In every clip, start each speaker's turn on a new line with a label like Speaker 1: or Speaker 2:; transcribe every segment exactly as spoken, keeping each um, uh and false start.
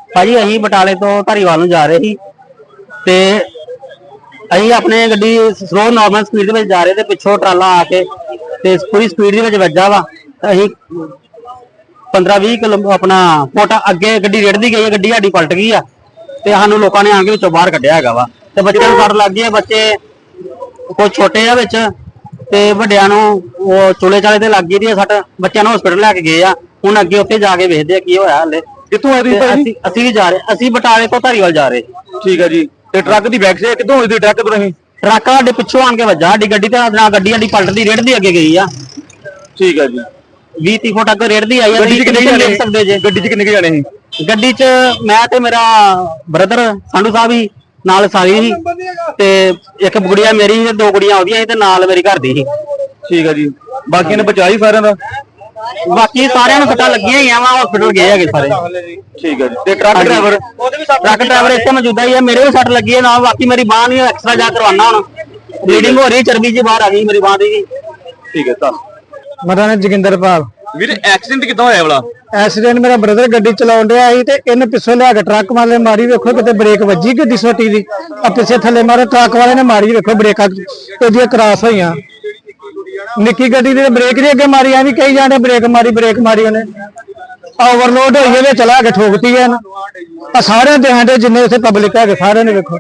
Speaker 1: ਭਾਜੀ ਅਸੀਂ ਬਟਾਲੇ ਤੋਂ ਧਾਰੀਵਾਲ ਨੂੰ ਜਾ ਰਹੇ ਸੀ ਤੇ ਅਸੀਂ ਆਪਣੇ ਗੱਡੀ ਸਲੋ ਨਾਰਮਲ ਸਪੀਡ ਦੇ ਵਿੱਚ ਜਾ ਰਹੇ ਤੇ ਪਿੱਛੋਂ ਟਰਾਲਾ ਆ ਕੇ ਤੇ ਪੂਰੀ ਸਪੀਡ ਦੇ ਵਿੱਚ ਵੱਜਾ ਵਾ। ਅਸੀਂ ਪੰਦਰਾਂ ਵੀਹ ਕਿਲੋ ਆਪਣਾ ਫੁੱਟ ਅੱਗੇ ਗੱਡੀ ਰੇੜਦੀ ਗਈ, ਗੱਡੀ ਸਾਡੀ ਪਲਟ ਗਈ ਆ ਤੇ ਸਾਨੂੰ ਲੋਕਾਂ ਨੇ ਆ ਕੇ ਵਿੱਚੋਂ ਬਾਹਰ ਕੱਢਿਆ ਹੈਗਾ ਵਾ। ਤੇ ਬੱਚਿਆਂ ਨੂੰ ਸੱਟ ਲੱਗ ਗਈ ਹੈ, ਬੱਚੇ ਕੁਝ ਛੋਟੇ ਆ ਵਿੱਚ ਤੇ ਵੱਡਿਆਂ ਨੂੰ ਉਹ ਚੋਲੇ ਚਾਲੇ ਤੇ ਲੱਗ ਗਈ ਦੀ ਸੱਟ। ਬੱਚਿਆਂ ਨੂੰ ਹਸਪੀਟਲ ਲੈ ਕੇ ਗਏ ਆ, ਹੁਣ ਅੱਗੇ ਉੱਥੇ ਜਾ ਕੇ ਵੇਖਦੇ ਆ ਕੀ ਹੋਇਆ। ਹਲੇ
Speaker 2: ਕਿੱਥੋਂ ਆਏ ਤੁਸੀਂ ਭਾਈ?
Speaker 1: ਅਸੀਂ ਵੀ ਜਾ ਰਹੇ, ਅਸੀਂ ਬਟਾਲੇ ਤੋਂ ਧਾਰੀਵਾਲ ਜਾ ਰਹੇ।
Speaker 2: ਠੀਕ ਹੈ ਜੀ। ਤੇ ਟਰੱਕ ਦੀ ਬੈਕ ਸਾਈਡ ਕਿੱਥੋਂ ਹੋਈ ਸੀ? ਟਰੱਕ ਤੋਂ ਨਹੀਂ,
Speaker 1: ਟਰੱਕ ਸਾਡੇ ਪਿੱਛੋਂ ਆਣ ਕੇ ਵੱਜਾ ਸਾਡੀ ਗੱਡੀ ਤੇ ਨਾਲ ਗੱਡੀ ਸਾਡੀ ਪਲਟਦੀ ਰੇੜਦੀ ਅੱਗੇ ਗਈ ਆ।
Speaker 2: ਠੀਕ ਹੈ ਜੀ।
Speaker 1: ਵੀਹ ਤੀਹ ਫੁੱਟ ਅੱਗੇ ਰੇੜਦੀ ਆਈ ਆ।
Speaker 2: ਗੱਡੀ 'ਚ ਕਿੰਨੇ ਜਾਣੇ
Speaker 1: ਦੇਖ ਸਕਦੇ ਜੇ?
Speaker 2: ਗੱਡੀ 'ਚ ਕਿੰਨੇ ਜਾਣੇ ਸੀ?
Speaker 1: ਗੱਡੀ 'ਚ ਮੈਂ ਤੇ ਮੇਰਾ ਬ੍ਰਦਰ ਸੰਧੂ ਸਾਹਿਬ ਹੀ ਨਾਲ ਸਾਰੀ ਸੀ ਤੇ ਇੱਕ ਗੁੜੀਆ ਮੇਰੀ ਤੇ ਦੋ ਗੁੜੀਆਂ ਉਹਦੀਆਂ ਸੀ ਤੇ ਨਾਲ ਮੇਰੀ ਘਰ ਦੀ ਸੀ।
Speaker 2: ਠੀਕ ਹੈ ਜੀ। ਬਾਕੀਆਂ ਨੇ ਬਚਾਈ ਸਾਰਿਆਂ ਦਾ?
Speaker 1: ਬਾਕੀ ਸਾਰਿਆਂ ਨੂੰ ਸੱਟਾਂ ਲੱਗੀਆਂ ਹੀ ਆ, ਵਾ ਹਸਪੀਟਲ ਗਏ ਹੈਗੇ ਸਾਰੇ।
Speaker 2: ਠੀਕ ਹੈ ਜੀ। ਤੇ ਟਰੱਕ ਡਰਾਈਵਰ?
Speaker 1: ਟਰੱਕ ਡਰਾਈਵਰ ਇੱਥੇ ਮੌਜੂਦਾ ਹੀ ਆ, ਮੇਰੇ ਵੀ ਸੱਟ ਲੱਗੀ ਹੈ ਨਾਲ। ਬਾਕੀ ਮੇਰੀ ਬਾਂਹ ਨਹੀਂ ਐਕਸਟਰਾ ਜਾ ਕਰਵਾਉਣਾ, ਹੁਣ ਬਲੀਡਿੰਗ ਹੋ ਰਹੀ, ਚਰਬੀ ਜੀ ਬਾਹਰ ਆ ਗਈ ਮੇਰੀ ਬਾਂਹ ਦੀ।
Speaker 2: ਠੀਕ ਹੈ। ਤਾਂ
Speaker 3: ਮੇਰਾ ਨਾਮ ਜੋਗਿੰਦਰਪਾਲ।
Speaker 2: ਵੀਰੇ ਐਕਸੀਡੈਂਟ ਕਿੱਦਾਂ ਹੋਇਆ ਵਾਲਾ?
Speaker 3: ਐਕਸੀਡੈਂਟ ਮੇਰਾ ਬ੍ਰਦਰ ਗੱਡੀ ਚਲਾਉਣ ਡਿਆ ਸੀ ਤੇ ਇਹਨੇ ਪਿੱਛੋਂ ਲਿਆ ਕੇ ਟਰੱਕ ਵਾਲੇ ਮਾਰੀ, ਵੇਖੋ ਕਿਤੇ ਬ੍ਰੇਕ ਵੱਜੀ ਗੱਡੀ ਛੋਟੀ ਦੀ, ਆ ਪਿੱਛੇ ਥੱਲੇ ਮਾਰੇ ਟਰੱਕ ਵਾਲੇ ਨੇ ਮਾਰੀ, ਵੇਖੋ ਬ੍ਰੇਕਾਂ ਉਹਦੀਆਂ ਕ੍ਰਾਸ ਹੋਈਆਂ। ਨਿੱਕੀ ਗੱਡੀ ਦੀ ਬ੍ਰੇਕ ਦੀ ਅੱਗੇ ਮਾਰੀ, ਐਵੇਂ ਕਹੀ ਜਾਂਦੇ ਬ੍ਰੇਕ ਮਾਰੀ ਬ੍ਰੇਕ ਮਾਰੀ, ਉਹਨੇ ਓਵਰਲੋਡ ਹੋਈ ਇਹਦੇ ਚਲਾ ਕੇ ਠੋਕਤੀ ਹੈ ਨਾ। ਆ ਸਾਰਿਆਂ ਦੇ ਆਂਡੇ ਜਿੰਨੇ ਉੱਥੇ ਪਬਲਿਕ ਹੈਗੇ ਸਾਰਿਆਂ ਨੇ ਵੇਖੋ।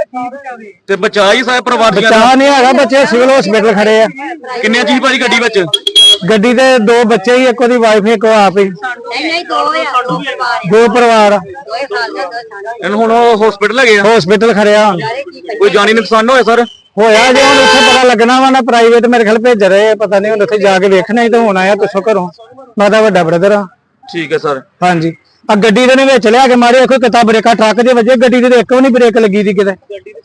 Speaker 2: ਤੇ ਬਚਾਈ ਸਾਰੇ ਪਰਿਵਾਰ ਦੀਆਂ?
Speaker 3: ਬਚਾ ਨਹੀਂ ਹੈਗਾ, ਬੱਚੇ ਸਿਵਲ ਹਸਪੀਟਲ ਖੜੇ ਆ।
Speaker 2: ਕਿੰਨੇ ਜੀ ਭਾਜੀ ਗੱਡੀ ਵਿੱਚ?
Speaker 3: ਗੱਡੀ ਦੇ ਦੋ ਬੱਚੇ ਹੀ, ਇੱਕ ਉਹਦੀ ਵਾਈਫ ਇੱਕ ਆਪ ਹੀ।
Speaker 4: ਨਹੀਂ ਨਹੀਂ ਦੋ ਆ, ਦੋ ਪਰਿਵਾਰ
Speaker 3: ਦੋ ਪਰਿਵਾਰ
Speaker 4: ਦੋਏ ਸਾਲ ਦਾ ਦੋ ਸਾਲ
Speaker 2: ਇਹਨੂੰ ਹੁਣ ਹਸਪੀਟਲ ਲੈ ਗਏ ਆ?
Speaker 3: ਹਸਪੀਟਲ ਖੜਿਆ ਹੁਣ।
Speaker 2: ਕੋਈ ਜਾਨੀ ਨੁਕਸਾਨ ਹੋਇਆ ਸਰ?
Speaker 3: ਹੋਇਆ ਜੇ ਹੁਣ ਉੱਥੇ ਪਤਾ ਲੱਗਣਾ ਵਾ ਨਾ, ਪ੍ਰਾਈਵੇਟ ਮੇਰੇ ਖਿਆਲ ਭੇਜ ਰਹੇ, ਪਤਾ ਨਹੀਂ ਹੁਣ ਉੱਥੇ ਜਾ ਕੇ ਵੇਖਣਾ ਹੀ ਤਾਂ ਹੁਣ ਆਇਆ ਪਿੱਛੋਂ ਘਰੋਂ। ਮੈਂ ਤਾਂ ਵੱਡਾ ਬ੍ਰਦਰ ਆ।
Speaker 2: ਠੀਕ ਹੈ ਸਰ।
Speaker 3: ਹਾਂਜੀ। ਆ ਗੱਡੀ ਦੇ ਨੇ ਵਿੱਚ ਲਿਆ ਕੇ ਮਾਰੇ, ਕੋਈ ਕਿਤਾ ਬ੍ਰੇਕਾਂ ਟਰੱਕ ਦੇ ਵਜੇ, ਗੱਡੀ ਦੇ ਇੱਕ ਵੀ ਨਹੀਂ ਬ੍ਰੇਕ ਲੱਗੀ ਦੀ ਕਿਤੇ।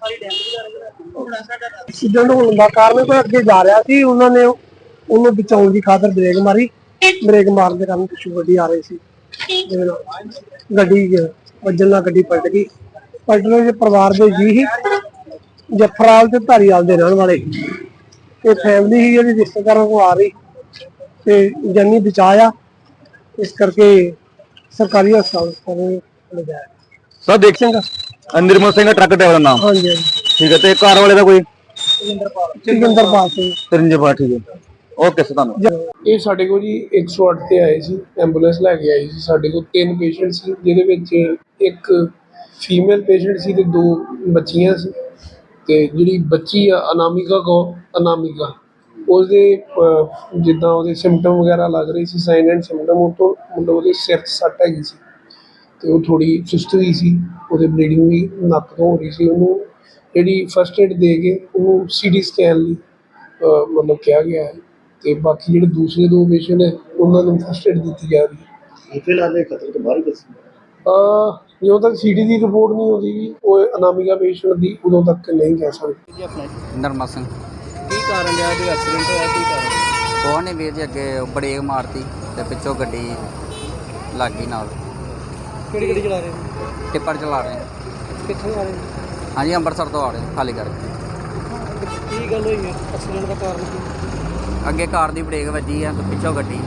Speaker 5: ਐਕਸੀਡੈਂਟ ਹੋਣ ਦਾ ਕਾਰਨ ਕੋਈ ਅੱਗੇ ਜਾ ਰਿਹਾ ਸੀ, ਉਹਨਾਂ ਨੇ ਉਹਨੂੰ ਬਚਾਉਣ ਦੀ ਖਾਤਰ ਬ੍ਰੇਕ ਮਾਰੀ। ਬ੍ਰੇਕ ਮਾਰਨ ਦੇ ਕਾਰਨ ਪਿੱਛੋਂ ਗੱਡੀ ਆ ਰਹੀ ਸੀ, ਜਿਹਦੇ ਨਾਲ ਗੱਡੀ ਵੱਜਣ ਨਾਲ ਗੱਡੀ ਪਲਟ ਗਈ। ਪਲਟਣ ਦੇ ਪਰਿਵਾਰ ਦੇ ਜੀ ਸੀ, ਜਫਰਾਲ ਤੇ ਧਾਰੀਵਾਲ ਦੇ ਰਹਿਣ ਵਾਲੇ। ਤੇ ਫੈਮਿਲੀ ਸੀ ਜਿਹੜੀ ਰਿਸ਼ਤੇਦਾਰਾਂ ਕੋਲ ਆ ਰਹੀ ਤੇ ਜਾਨੀ ਬਚਾਇਆ, ਇਸ ਕਰਕੇ ਸਰਕਾਰੀ ਹਸਪਤਾਲ ਲਿਜਾਇਆ।
Speaker 2: ਸਰ ਦੇਖ ਸਿੰਘ ਨਿਰਮਲ ਸਿੰਘ ਟਰੱਕ ਡਰਾਈਵਰ ਦਾ ਨਾਮ?
Speaker 5: ਹਾਂਜੀ ਹਾਂਜੀ।
Speaker 2: ਠੀਕ ਹੈ। ਤੇ ਕਾਰ ਵਾਲੇ ਦਾ ਕੋਈ?
Speaker 5: ਜੋਗਿੰਦਰਪਾਲ ਸਿੰਘ।
Speaker 2: ਤਰਿੰਜਪਾਲ। ਠੀਕ ਹੈ। ਓਕੇ ਸਰ, ਤੁਹਾਨੂੰ।
Speaker 6: ਇਹ ਸਾਡੇ ਕੋਲ ਜੀ ਇੱਕ ਸੌ ਅੱਠ ਤੇ ਆਏ ਸੀ, ਐਂਬੂਲੈਂਸ ਲੈ ਕੇ ਆਈ ਸੀ। ਸਾਡੇ ਕੋਲ ਤਿੰਨ ਪੇਸ਼ੈਂਟ ਸੀ, ਜਿਹਦੇ ਵਿੱਚ ਇੱਕ ਫੀਮੇਲ ਪੇਸ਼ੈਂਟ ਸੀ ਤੇ ਦੋ ਬੱਚੀਆਂ ਸੀ। ਤੇ ਜਿਹੜੀ ਬੱਚੀ ਆ ਅਨਾਮਿਕਾ ਕੋ ਅਨਾਮਿਕਾ ਉਹਦੇ ਜਿੱਦਾਂ ਉਹਦੇ ਸਿੰਪਟਮ ਵਗੈਰਾ ਲੱਗ ਰਹੇ ਸੀ, ਸਾਈਨ ਐਂਡ ਸਿੰਪਟਮ, ਉਹ ਤੋਂ ਮਤਲਬ ਉਹਦੇ ਸਿਰ 'ਚ ਸੱਟ ਹੈਗੀ ਸੀ ਤੇ ਉਹ ਥੋੜ੍ਹੀ ਸੁਸਤ ਵੀ ਸੀ, ਉਹਦੇ ਬਲੀਡਿੰਗ ਵੀ ਨੱਕ ਤੋਂ ਹੋ ਰਹੀ ਸੀ। ਉਹਨੂੰ ਜਿਹੜੀ ਫਸਟ ਏਡ ਦੇ ਕੇ ਉਹਨੂੰ ਸੀ ਟੀ ਸਕੈਨ ਲਈ ਮਤਲਬ ਕਿਹਾ ਗਿਆ ਹੈ। ਤੇ ਬਾਕੀ ਜਿਹੜੇ ਦੂਸਰੇ ਦੋ ਪੇਸ਼ੈਂਟ ਹੈ ਉਹਨਾਂ ਨੂੰ ਫਸਟ ਏਡ ਦਿੱਤੀ ਜਾ ਰਹੀ ਹੈ।
Speaker 5: ਫਿਲਹਾਲ ਇਹ ਖਤਰੇ ਤੋਂ ਬਾਹਰ ਦੱਸੀ
Speaker 6: ਜਦੋਂ ਤੱਕ ਸੀ ਟੀ ਦੀ ਰਿਪੋਰਟ ਨਹੀਂ ਆਉਂਦੀ ਉਹ ਅਨਾਮਿਕਾ ਪੇਸ਼ੈਂਟ ਦੀ, ਉਦੋਂ ਤੱਕ ਨਹੀਂ ਕਹਿ ਸਕਦੇ।
Speaker 7: ਨਰਮਾ ਸਿੰਘ।
Speaker 8: ਕੀ ਕਾਰਨ ਰਿਹਾ ਜੋ ਐਕਸੀਡੈਂਟ ਹੋਇਆ? ਕੀ ਕਾਰਨ?
Speaker 7: ਕੋਹ ਨੇ ਵੀਰ ਜੀ ਅੱਗੇ ਬ੍ਰੇਕ ਮਾਰਤੀ ਤੇ ਪਿੱਛੋਂ ਗੱਡੀ ਲੱਗ ਗਈ ਨਾਲ।
Speaker 8: ਕਿਹੜੀ ਗੱਡੀ ਚਲਾ ਰਹੇ ਹੋ?
Speaker 7: ਟਿੱਪਰ ਚਲਾ ਰਹੇ ਹਾਂ।
Speaker 8: ਕਿੱਥੋਂ ਆ ਰਹੇ ਹੋ?
Speaker 7: ਹਾਂਜੀ, ਅੰਮ੍ਰਿਤਸਰ ਤੋਂ ਆ ਰਹੇ ਖਾਲੀ ਕਰਕੇ।
Speaker 8: ਕੀ ਗੱਲ ਹੋਈ ਹੈ? ਐਕਸੀਡੈਂਟ ਦਾ ਕਾਰਨ ਕੀ?
Speaker 7: ਅੱਗੇ ਕਾਰ ਦੀ ਬ੍ਰੇਕ ਵੱਜੀ ਆ ਤੇ ਪਿੱਛੋਂ ਗੱਡੀ।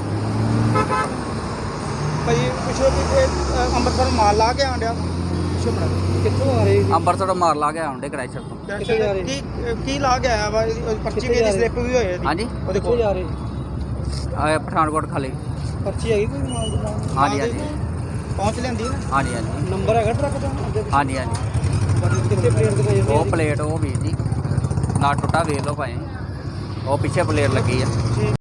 Speaker 8: ਭਾਈ ਪਿੱਛੋਂ ਅੰਮ੍ਰਿਤਸਰ ਮਾਲ ਲਾ ਕੇ ਆਂਡਿਆ ਪਿੱਛੋਂ ਬਣਾ ਕਿੱਥੋਂ ਆ ਰਹੇ?
Speaker 7: ਅੰਮ੍ਰਿਤਸਰ ਤੋਂ ਮਾਰ ਲਾ ਕੇ ਆਉਂਦੇ ਕ੍ਰੈਸ਼ਰ ਤੋਂ।
Speaker 8: ਕਿੱਥੇ ਜਾ ਰਹੇ? ਕੀ ਕੀ ਲਾ ਕੇ ਆਇਆ ਵਾ? ਪਰਚੀ ਵੀ ਸਲਿੱਪ ਵੀ ਹੋਈ ਹੈ।
Speaker 7: ਹਾਂਜੀ,
Speaker 8: ਉਹਦੇ ਕੋਲ ਜਾ ਰਹੇ?
Speaker 7: ਆਹ ਪਠਾਨਕੋਟ ਖਾਲੀ।
Speaker 8: ਪਰਚੀ ਹੈਗੀ ਕੋਈ ਮਾਲ ਦੀ?
Speaker 7: ਹਾਂਜੀ ਹਾਂਜੀ
Speaker 8: ਪਹੁੰਚ ਲੈਂਦੀ ਨਾ?
Speaker 7: ਹਾਂਜੀ ਹਾਂਜੀ
Speaker 8: ਨੰਬਰ ਹੈਗਾ ਟਰੱਕ ਦਾ?
Speaker 7: ਹਾਂਜੀ ਹਾਂਜੀ
Speaker 8: ਕਿੱਥੇ ਪਲੇਟ ਦਿਖਾਈ?
Speaker 7: ਉਹ ਪਲੇਟ ਉਹ ਵੀਰ ਜੀ ਨਾ ਟੁੱਟਾ ਵੇਖ ਲਓ ਭਾਈ, ਉਹ ਪਿੱਛੇ ਪਲੇਟ ਲੱਗੀ ਆ।